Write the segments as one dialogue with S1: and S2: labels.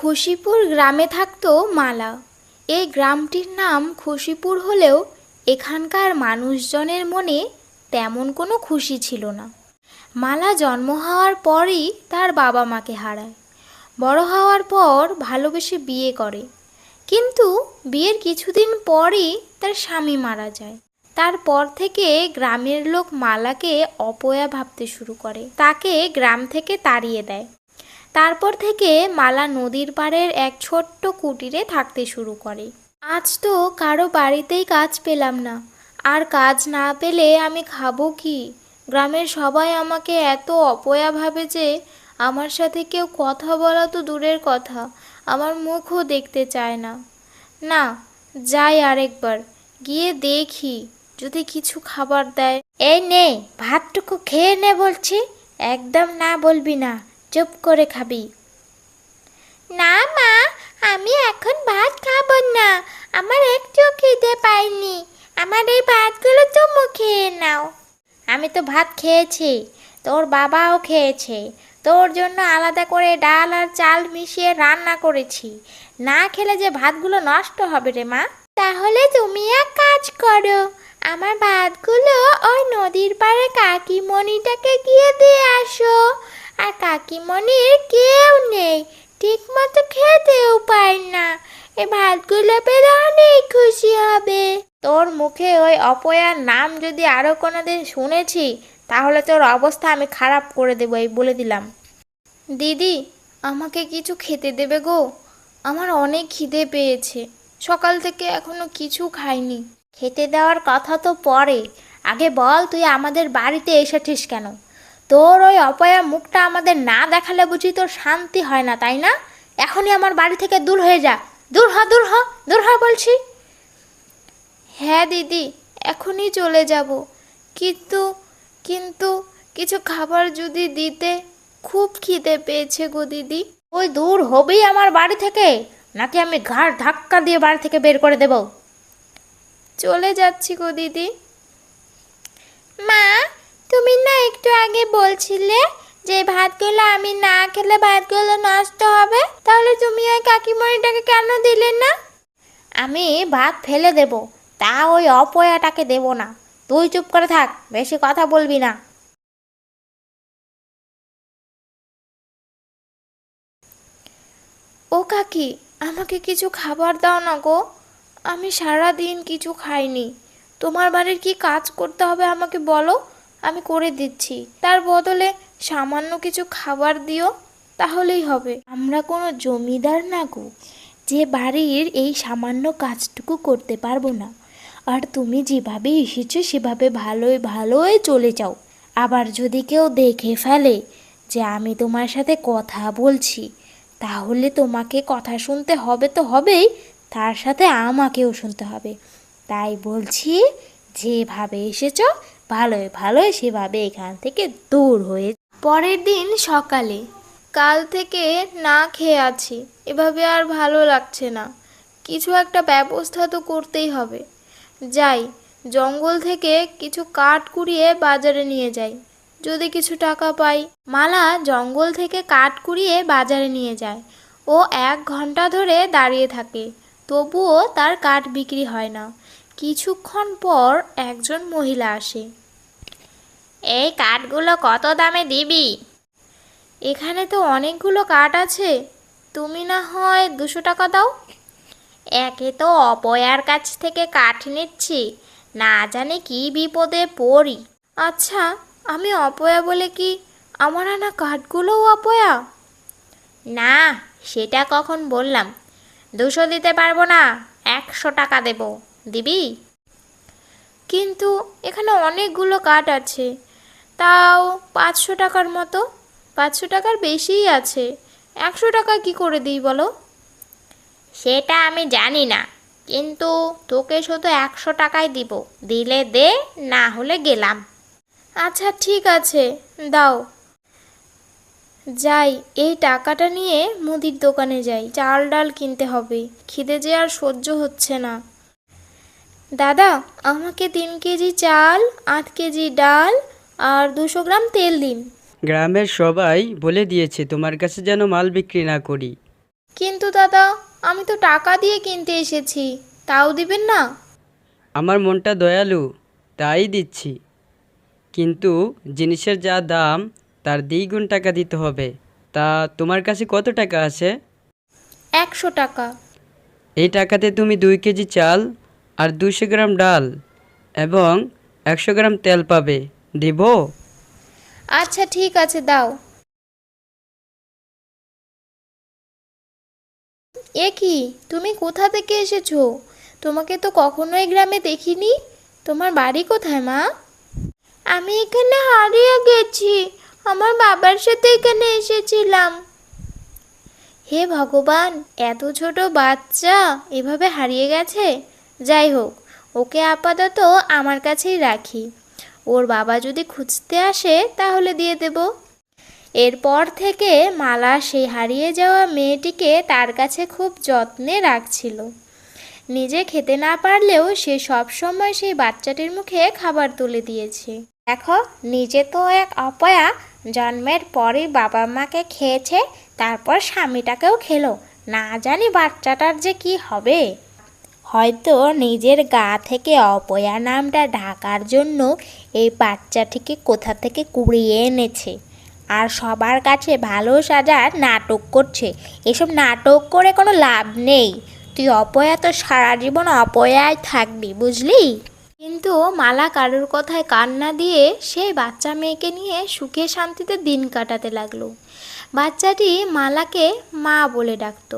S1: খুশিপুর গ্রামে থাকতো মালা। এই গ্রামটির নাম খুশিপুর হলেও এখানকার মানুষজনের মনে তেমন কোনো খুশি ছিল না। মালা জন্ম হওয়ার পরই তার বাবা মাকে হারায়। বড় হওয়ার পর ভালোবেসে বিয়ে করে, কিন্তু বিয়ের কিছুদিন পরই তার স্বামী মারা যায়। তারপর থেকে গ্রামের লোক মালাকে অপয়া ভাবতে শুরু করে, তাকে গ্রাম থেকে তাড়িয়ে দেয়। তারপর থেকে মালা নদীর পাড়ের এক ছোট্ট কুটিরে থাকতে শুরু করে। আজ তো কারো বাড়িতেই কাজ পেলাম না, আর কাজ না পেলে আমি খাবো কি? গ্রামের সবাই আমাকে এত অপয়া ভাবে যে আমার সাথে কেউ কথা বলা তো দূরের কথা, আমার মুখও দেখতে চায় না। না, যাই আরেকবার গিয়ে দেখি যদি কিছু খাবার দেয়।
S2: এই নে, ভাতটুকু খেয়ে নে বলছি। একদম না বলবি না, চুপ করে খাবি। না মা, আমি এখন ভাত খাবো না। আমার একটু খিদে পাইনি। আমার এই ভাতগুলো তুমি খেয়ে নাও। আমি তো ভাত খেয়েছি, তোর বাবাও খেয়েছে। তোর জন্য আলাদা করে ডাল আর চাল মিশিয়ে রান্না করেছি। না খেলে যে ভাতগুলো নষ্ট হবে রে মা। তাহলে তুমি এক কাজ করো, আমার ভাতগুলো ওই নদীর পাড়ে কাকিমণিটাকে গিয়ে দিয়ে আসো। আর কাকিমণির কেউ নেই, ঠিক মতো খেতেও পায় না। এই ভাতগুলো পেলে অনেক খুশি হবে। তোর মুখে ওই অপয়ার নাম যদি আরো কোনোদিন শুনেছি, তাহলে তোর অবস্থা আমি খারাপ করে দেবো, এই বলে দিলাম।
S1: দিদি, আমাকে কিছু খেতে দেবে গো? আমার অনেক খিদে পেয়েছে, সকাল থেকে এখনো কিছু খাইনি।
S2: খেতে দেওয়ার কথা তো পরে, আগে বল তুই আমাদের বাড়িতে এসেছিস কেন? তোর ওই অপয়া মুখটা আমাদের না দেখালে বুঝি তোর শান্তি হয় না, তাই না? এখনই আমার বাড়ি থেকে দূর হয়ে যা। দূর হ, দূর হ, দূর হ বলছি।
S1: হ্যাঁ দিদি, এখনই চলে যাব। কিন্তু কিন্তু কিছু খাবার যদি দিতে, খুব খিদে পেয়েছে গো দিদি।
S2: ওই দূর হবি আমার বাড়ি থেকে, নাকি আমি ঘাড় ধাক্কা দিয়ে বাড়ি থেকে বের করে দেব?
S1: চলে যাচ্ছি গো দিদি।
S2: মা, তুমি না একটু আগে বলছিলে যে ভাতগুলো আমি না খেলে ভাতগুলো নষ্ট হবে, তাহলে তুমি ওই কাকিমণিটাকে কেন দিলে না? আমি ভাত ফেলে দেব, তা ওই অপয়াটাকে দেব না। তুই চুপ করে থাক, বেশি কথা বলবি না।
S1: ও কাকি, আমাকে কিছু খাবার দাও না গো। আমি সারা দিন কিছু খাইনি। তোমার বাড়ির কি কাজ করতে হবে আমাকে বলো, আমি করে দিচ্ছি। তার বদলে সামান্য কিছু খাবার দিও, তাহলেই হবে।
S3: আমরা কোনো জমিদার না গো, যে বাড়ির এই সামান্য কাজটুকু করতে পারবো না। আর তুমি যেভাবে এসেছো সেভাবে ভালোই ভালোই চলে যাও। আবার যদি কেউ দেখে ফেলে যে আমি তোমার সাথে কথা বলছি, তাহলে তোমাকে কথা শুনতে হবে তো হবেই, তার সাথে আমাকেও শুনতে হবে। তাই বলছি, যেভাবে এসেছো ভালোই ভালোই সেভাবে এখান থেকে দূর হয়ে।
S1: পরের দিন সকালে, কাল থেকে না খেয়ে আছি, এভাবে আর ভালো লাগছে না। কিছু একটা ব্যবস্থা তো করতেই হবে। যাই, জঙ্গল থেকে কিছু কাঠ কুড়িয়ে বাজারে নিয়ে যাই, যদি কিছু টাকা পাই। মালা জঙ্গল থেকে কাঠ কুড়িয়ে বাজারে নিয়ে যায়। ও 1 ঘন্টা ধরে দাঁড়িয়ে থাকে, তবুও তার কাঠ বিক্রি হয় না। কিছুক্ষণ পর একজন মহিলা আসে।
S2: এই কাঠগুলো কত দামে দিবি?
S1: এখানে তো অনেকগুলো কাঠ আছে, তুমি না হয় 200 টাকা দাও।
S2: একে তো অপয়ার কাছ থেকে কাঠ নিচ্ছি, না জানি কি বিপদে পড়ি।
S1: আচ্ছা, আমি অপয়া বলে কি আমার আনা কাঠগুলোও অপয়া?
S2: না, সেটা কখন বললাম? 200 দিতে পারবো না, 100 টাকা দেব, দিবি?
S1: কিন্তু এখানে অনেকগুলো কাঠ আছে, তাও 500 টাকার মতো। 500 টাকার বেশিই আছে, 100 টাকা কি করে দিই বলো?
S2: সেটা আমি জানি না, কিন্তু তোকে শুধু 100 টাকাই দিব। দিলে দে, না হলে গেলাম।
S1: আচ্ছা ঠিক আছে, দাও। যাই, এই টাকাটা নিয়ে মুদির দোকানে যাই, চাল ডাল কিনতে হবে, খিদে যে আর সহ্য হচ্ছে না। দাদা, আমাকে 3 কেজি চাল, 8 কেজি ডাল আর 200 গ্রাম তেল দিন।
S4: গ্রামের সবাই বলে দিয়েছে তোমার কাছে যেন মাল বিক্রি না করি।
S1: কিন্তু দাদা, আমি তো টাকা দিয়ে কিনতে এসেছি, তাও দিবেন না?
S4: আমার মনটা দয়ালু, তাই দিচ্ছি। কিন্তু জিনিসের যা দাম তার দ্বিগুণ টাকা দিতে হবে। তা তোমার কাছে কত টাকা আছে?
S1: 100 টাকা।
S4: এই টাকাতে তুমি 2 কেজি চাল আর 200 গ্রাম ডাল এবং 100 গ্রাম তেল পাবে। দিব?
S1: আচ্ছা ঠিক আছে, দাও। এ কি, তুমি কোথা থেকে এসেছো? তোমাকে তো কখনো এই গ্রামে দেখিনি। তোমার বাড়ি কোথায় মা?
S2: আমি এখানে হারিয়ে গেছি, আমার বাবার সাথে এখানে এসেছিলাম।
S1: হে ভগবান, এত ছোট বাচ্চা এভাবে হারিয়ে গেছে। যাই হোক, ওকে আপাতত আমার কাছেই রাখি। ওর বাবা যদি খুঁজতে আসে তাহলে দিয়ে দেব। এরপর থেকে মালা সেই হারিয়ে যাওয়া মেয়েটিকে তার কাছে খুব যত্নে রাখছিল। নিজে খেতে না পারলেও সে সব সময় সেই বাচ্চাটির মুখে খাবার তুলে দিয়েছে।
S2: দেখো, নিজে তো এক অপয়া, জন্মের পরই বাবা মাকে খেয়েছে, তারপর স্বামীটাকেও খেলো। না জানি বাচ্চাটার যে কি হবে। হয়তো নিজের গা থেকে অপয়া নামটা ঢাকার জন্য এই বাচ্চাটিকে কোথা থেকে কুড়িয়ে এনেছে, আর সবার কাছে ভালো সাজার নাটক করছে। এসব নাটক করে কোনো লাভ নেই। তুই অপয়া তো সারা জীবন অপয়াই থাকবি, বুঝলি?
S1: কিন্তু মালা কারোর কথায় কান না দিয়ে সেই বাচ্চা মেয়েকে নিয়ে সুখে শান্তিতে দিন কাটাতে লাগলো। বাচ্চাটি মালাকে মা বলে ডাকতো।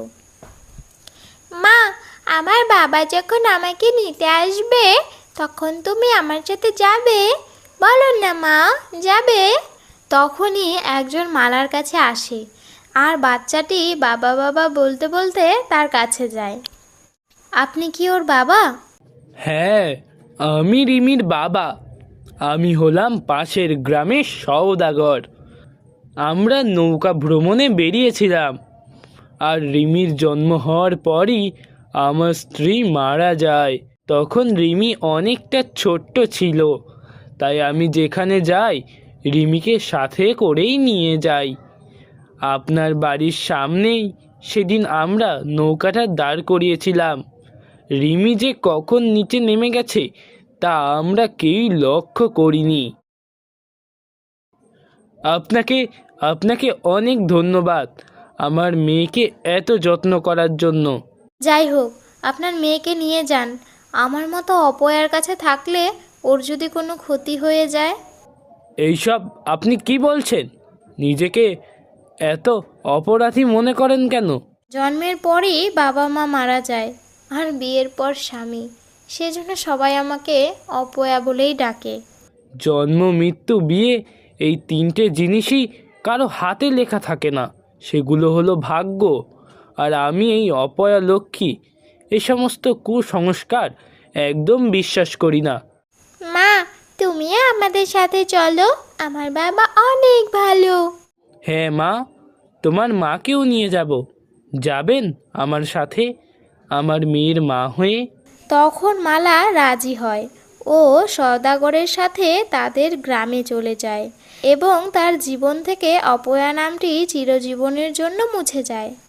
S2: মা, আমার বাবা যখন আমাকে নিতে আসবে তখন তুমি আমার সাথে যাবে? বলো না মা, যাবে?
S1: তখনই একজন মালার কাছে আসে আর বাচ্চাটি বাবা বাবা বলতে বলতে তার কাছে যায়। আপনি কি ওর বাবা?
S5: হ্যাঁ, আমি রিমির বাবা। আমি হলাম পাশের গ্রামের সওদাগর। আমরা নৌকা ভ্রমণে বেরিয়েছিলাম, আর রিমির জন্ম হওয়ার পরই আমার স্ত্রী মারা যায়। তখন রিমি অনেকটা ছোট্ট ছিল, তাই আমি যেখানে যাই রিমিকে সাথে করেই নিয়ে যাই। আপনার বাড়ির সামনেই সেদিন আমরা নৌকাটা দাঁড় করিয়েছিলাম। রিমি যে কখন নিচে নেমে গেছে তা আমরা কেউই লক্ষ্য করিনি। আপনাকে আপনাকে অনেক ধন্যবাদ আমার মেয়েকে এত যত্ন করার জন্য।
S1: যাই হোক, আপনার মেয়েকে নিয়ে যান। আমার মতো অপয়ার কাছে থাকলে ওর যদি কোনো ক্ষতি হয়ে যায়।
S5: এইসব আপনি কি বলছেন? নিজেকে এত অপরাধী মনে করেন কেন?
S1: জন্মের পরই বাবা মা মারা যায়, আর বিয়ের পর স্বামী, সেজন্য সবাই আমাকে অপয়া বলেই ডাকে।
S5: জন্ম, মৃত্যু, বিয়ে, এই 3টে জিনিসই কারো হাতে লেখা থাকে না, সেগুলো হলো ভাগ্য। আর আমি এই অপয়া লক্ষ্মী, এ সমস্ত কুসংস্কার একদম বিশ্বাস করি না।
S2: মা, তুমিও আমাদের সাথে চলো, আমার বাবা অনেক ভালো।
S5: হ্যাঁ মা, তোমার মাকেও নিয়ে যাব। যাবেন আমার সাথে আমার মেয়ের মা হয়ে?
S1: তখন মালা রাজি হয় ও সওদাগরের সাথে তাদের গ্রামে চলে যায় এবং তার জীবন থেকে অপয়া নামটি চিরজীবনের জন্য মুছে যায়।